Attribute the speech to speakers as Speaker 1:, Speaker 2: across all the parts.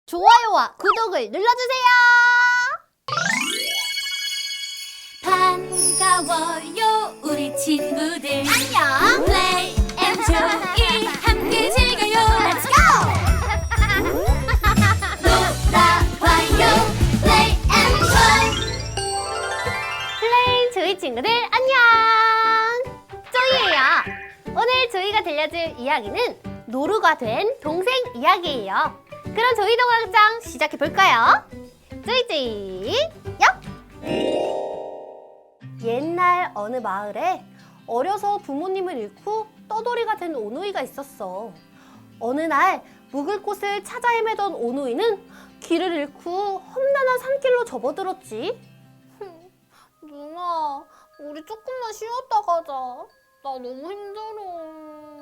Speaker 1: 좋아요와 구독을 눌러주세요.
Speaker 2: 반가워요 우리 친구들.
Speaker 1: 안녕.
Speaker 2: Play and Joy 함께 즐겨요.
Speaker 1: Let's go.
Speaker 2: 놀아봐요. Play and Joy.
Speaker 1: 플레인 조이 친구들 안녕. 조이예요. 오늘 조이가 들려줄 이야기는 노루가 된 동생 이야기예요. 그럼 조이 동화장 시작해볼까요? 조이조이 역! 옛날 어느 마을에 어려서 부모님을 잃고 떠돌이가 된 오누이가 있었어. 어느 날 묵을 곳을 찾아 헤매던 오누이는 길을 잃고 험난한 산길로 접어들었지. 누나, 우리 조금만 쉬었다 가자. 나 너무 힘들어.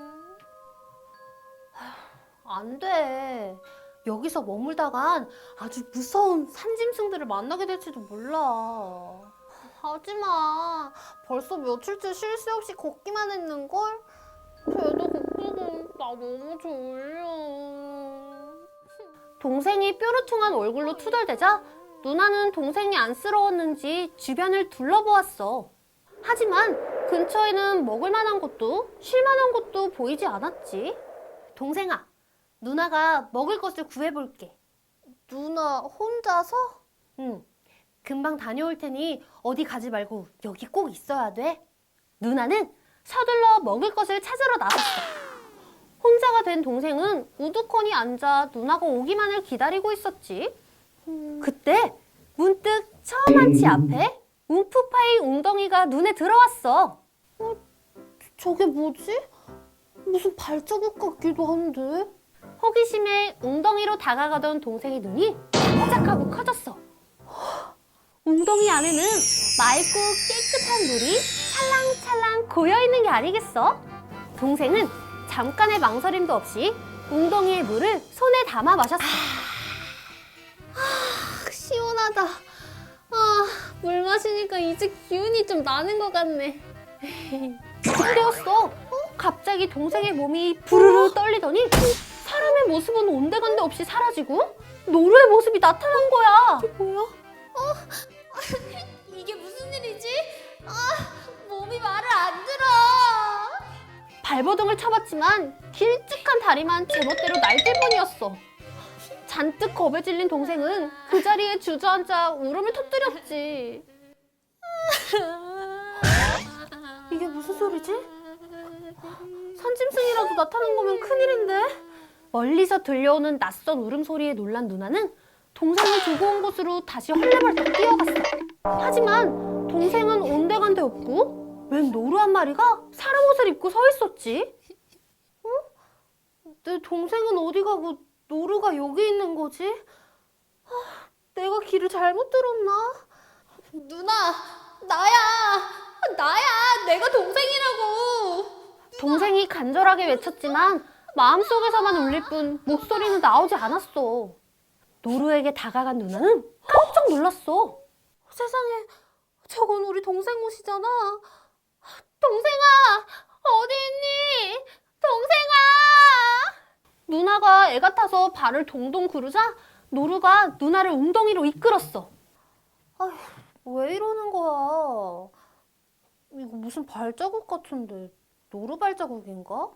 Speaker 1: 안 돼. 여기서 머물다간 아주 무서운 산짐승들을 만나게 될지도 몰라. 하지마. 벌써 며칠째 쉴 새 없이 걷기만 했는걸? 배도 고프고 나 너무 졸려. 동생이 뾰루퉁한 얼굴로 투덜대자 누나는 동생이 안쓰러웠는지 주변을 둘러보았어. 하지만 근처에는 먹을 만한 곳도 쉴 만한 곳도 보이지 않았지. 동생아, 누나가 먹을 것을 구해볼게. 누나 혼자서? 응. 금방 다녀올 테니 어디 가지 말고 여기 꼭 있어야 돼. 누나는 서둘러 먹을 것을 찾으러 나섰어. 혼자가 된 동생은 우두커니 앉아 누나가 오기만을 기다리고 있었지. 그때 문득 처음 한치 앞에 움푹 파인 웅덩이가 눈에 들어왔어. 저게 뭐지? 무슨 발자국 같기도 한데? 호기심에 웅덩이로 다가가던 동생의 눈이 깜짝하고 커졌어. 웅덩이 안에는 맑고 깨끗한 물이 찰랑찰랑 고여있는 게 아니겠어? 동생은 잠깐의 망설임도 없이 웅덩이의 물을 손에 담아 마셨어. 시원하다. 물 마시니까 이제 기운이 좀 나는 것 같네. 그때였어. 갑자기 동생의 몸이 부르르 떨리더니 사람의 모습은 온데간데 없이 사라지고 노루의 모습이 나타난 거야. 이게 뭐야?
Speaker 2: 이게 무슨 일이지? 몸이 말을 안 들어.
Speaker 1: 발버둥을 쳐봤지만 길쭉한 다리만 제멋대로 날뛸 뿐이었어. 잔뜩 겁에 질린 동생은 그 자리에 주저앉아 울음을 터뜨렸지. 이게 무슨 소리지? 산짐승이라도 나타난 거면 큰일인데? 멀리서 들려오는 낯선 울음소리에 놀란 누나는 동생을 두고 온 곳으로 다시 헐레벌떡 뛰어갔어. 하지만 동생은 온데간데 없고 웬 노루 한 마리가 사람 옷을 입고 서 있었지. 내 동생은 어디 가고 노루가 여기 있는 거지? 내가 길을 잘못 들었나?
Speaker 2: 누나, 나야, 내가 동생이라고.
Speaker 1: 동생이 간절하게 외쳤지만 마음속에서만 울릴 뿐 목소리는 나오지 않았어. 노루에게 다가간 누나는 깜짝 놀랐어. 세상에, 저건 우리 동생 옷이잖아. 동생아, 어디 있니? 동생아! 누나가 애가 타서 발을 동동 구르자 노루가 누나를 웅덩이로 이끌었어. 아휴, 왜 이러는 거야? 이거 무슨 발자국 같은데 노루 발자국인가?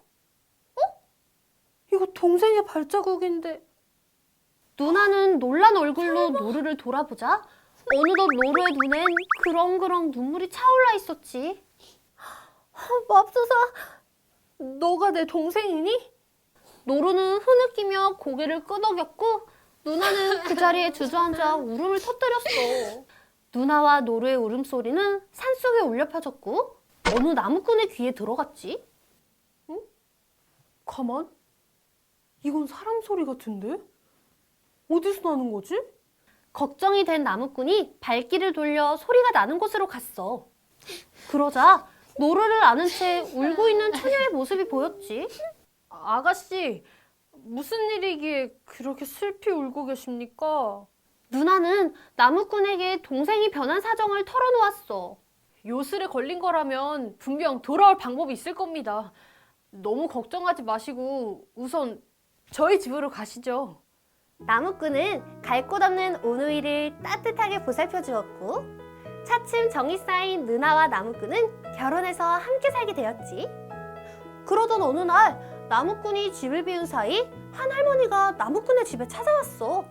Speaker 1: 이거 동생의 발자국인데. 누나는 놀란 얼굴로 노루를 돌아보자 어느덧 노루의 눈엔 그렁그렁 눈물이 차올라 있었지. 맙소사, 너가 내 동생이니? 노루는 흐느끼며 고개를 끄덕였고 누나는 그 자리에 주저앉아 울음을 터뜨렸어. 누나와 노루의 울음소리는 산속에 울려 퍼졌고 어느 나무꾼의 귀에 들어갔지. 응? 가만? 이건 사람 소리 같은데? 어디서 나는 거지? 걱정이 된 나무꾼이 발길을 돌려 소리가 나는 곳으로 갔어. 그러자 노루를 안은 채 울고 있는 처녀의 모습이 보였지.
Speaker 3: 아가씨, 무슨 일이기에 그렇게 슬피 울고 계십니까?
Speaker 1: 누나는 나무꾼에게 동생이 변한 사정을 털어놓았어.
Speaker 3: 요술에 걸린 거라면 분명 돌아올 방법이 있을 겁니다. 너무 걱정하지 마시고 우선 저희 집으로 가시죠.
Speaker 1: 나무꾼은 갈 곳 없는 오누이를 따뜻하게 보살펴 주었고 차츰 정이 쌓인 누나와 나무꾼은 결혼해서 함께 살게 되었지. 그러던 어느 날 나무꾼이 집을 비운 사이 한 할머니가 나무꾼의 집에 찾아왔어.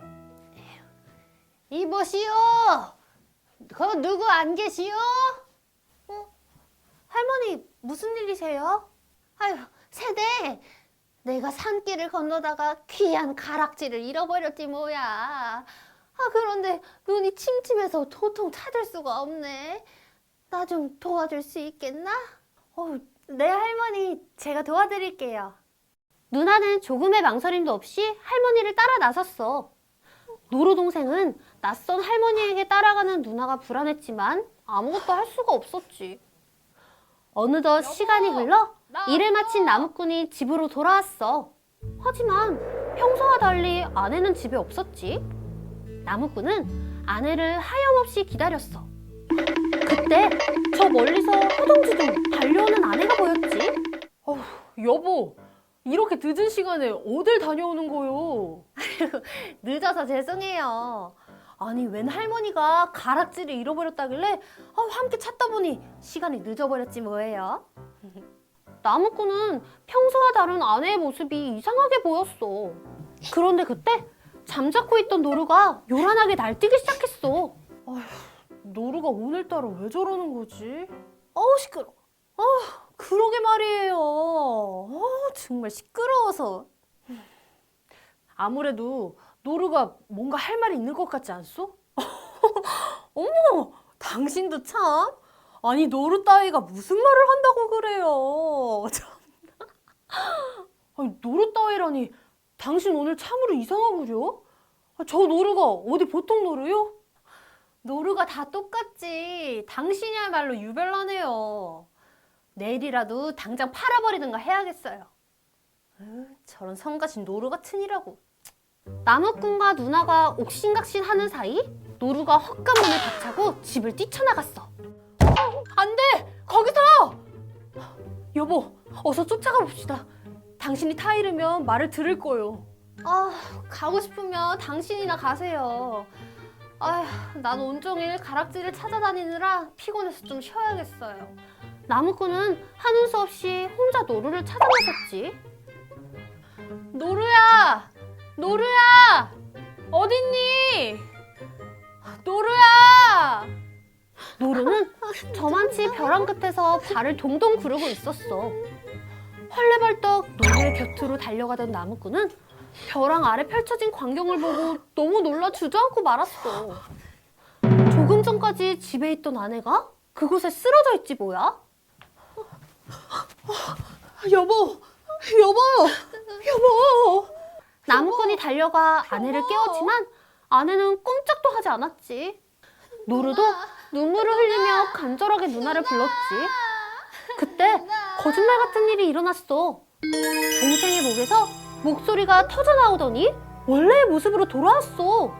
Speaker 1: 이보시오. 거 누구 안 계시오? 할머니 무슨 일이세요? 아유 세대. 내가 산길을 건너다가 귀한 가락지를 잃어버렸지 뭐야. 그런데 눈이 침침해서 도통 찾을 수가 없네. 나 좀 도와줄 수 있겠나? 네 할머니, 제가 도와드릴게요. 누나는 조금의 망설임도 없이 할머니를 따라 나섰어. 노루 동생은 낯선 할머니에게 따라가는 누나가 불안했지만 아무것도 할 수가 없었지. 어느덧 시간이 흘러 일을 마친 나무꾼이 집으로 돌아왔어. 하지만 평소와 달리 아내는 집에 없었지. 나무꾼은 아내를 하염없이 기다렸어. 그때 저 멀리서 허둥지둥 달려오는 아내가 보였지.
Speaker 3: 여보, 이렇게 늦은 시간에 어딜 다녀오는 거요?
Speaker 1: 늦어서 죄송해요. 아니 웬 할머니가 가락지를 잃어버렸다길래 함께 찾다 보니 시간이 늦어버렸지 뭐예요. 나무꾼은 평소와 다른 아내의 모습이 이상하게 보였어. 그런데 그때 잠자코 있던 노루가 요란하게 날뛰기 시작했어.
Speaker 3: 노루가 오늘따라 왜 저러는 거지?
Speaker 1: 시끄러워. 그러게 말이에요. 정말 시끄러워서.
Speaker 3: 아무래도 노루가 뭔가 할 말이 있는 것 같지 않소? 어머, 당신도 참. 아니, 노루 따위가 무슨 말을 한다고 그래요. 참나. 아니, 노루 따위라니. 당신 오늘 참으로 이상하구려? 저 노루가 어디 보통 노루요?
Speaker 1: 노루가 다 똑같지. 당신이야말로 유별나네요. 내일이라도 당장 팔아버리든가 해야겠어요. 저런 성가신 노루 같으니라고. 나무꾼과 누나가 옥신각신 하는 사이 노루가 헛간 문을 박차고 집을 뛰쳐나갔어.
Speaker 3: 안 돼! 거기서! 여보, 어서 쫓아가 봅시다. 당신이 타이르면 말을 들을 거요.
Speaker 1: 가고 싶으면 당신이나 가세요. 난 온종일 가락지를 찾아다니느라 피곤해서 좀 쉬어야겠어요. 나무꾼은 하는 수 없이 혼자 노루를 찾아 나섰지.
Speaker 3: 노루야! 노루야! 어딨니? 노루야!
Speaker 1: 노루는 저만치 벼랑 끝에서 발을 동동 구르고 있었어. 헐레벌떡 노루의 곁으로 달려가던 나무꾼은 벼랑 아래 펼쳐진 광경을 보고 너무 놀라 주저앉고 말았어. 조금 전까지 집에 있던 아내가 그곳에 쓰러져 있지 뭐야?
Speaker 3: 여보! 여보!
Speaker 1: 나무꾼이 달려가 아내를 깨웠지만 아내는 꼼짝도 하지 않았지. 노루도 눈물을 흘리며 간절하게 누나를 불렀지. 그때 거짓말 같은 일이 일어났어. 동생의 목에서 목소리가 터져나오더니 원래의 모습으로 돌아왔어.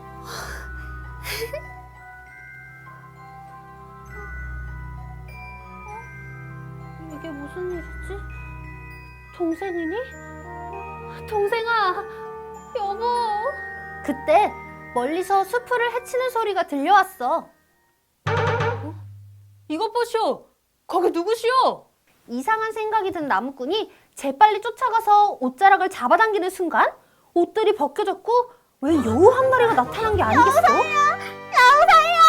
Speaker 1: 이게 무슨 일이지? 동생이니? 동생아, 여보. 그때 멀리서 수풀을 헤치는 소리가 들려왔어.
Speaker 3: 이것 보시오! 거기 누구시오?
Speaker 1: 이상한 생각이 든 나무꾼이 재빨리 쫓아가서 옷자락을 잡아당기는 순간 옷들이 벗겨졌고 웬 여우 한 마리가 나타난 게 아니겠어? 여우사요!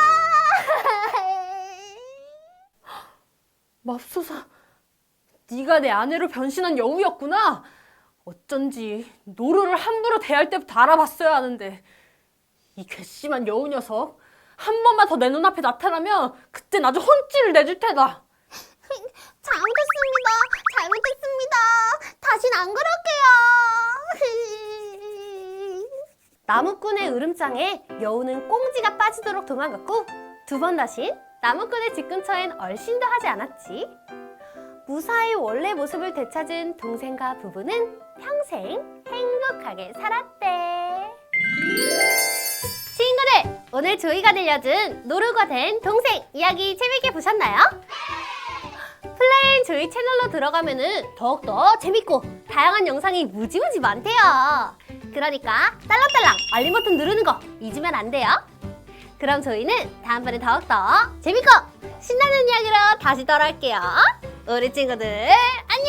Speaker 3: 맙소사, 네가 내 아내로 변신한 여우였구나. 어쩐지 노루를 함부로 대할 때부터 알아봤어야 하는데 이 괘씸한 여우 녀석 한 번만 더 내 눈앞에 나타나면 그땐 아주 혼쭐을 내줄 테다.
Speaker 1: 잘못했습니다. 다신 안 그럴게요. 나무꾼의 으름장에 여우는 꽁지가 빠지도록 도망갔고 두 번 다신 나무꾼의 집 근처엔 얼씬도 하지 않았지. 무사히 원래 모습을 되찾은 동생과 부부는 평생 행복하게 살았대. 친구들, 오늘 조이가 들려준 노루가 된 동생 이야기 재밌게 보셨나요? 플레인 조이 채널로 들어가면은 더욱더 재밌고 다양한 영상이 무지무지 많대요. 그러니까 딸랑딸랑 알림 버튼 누르는 거 잊으면 안 돼요. 그럼 저희는 다음번에 더욱더 재밌고 신나는 이야기로 다시 돌아올게요. 우리 친구들 안녕!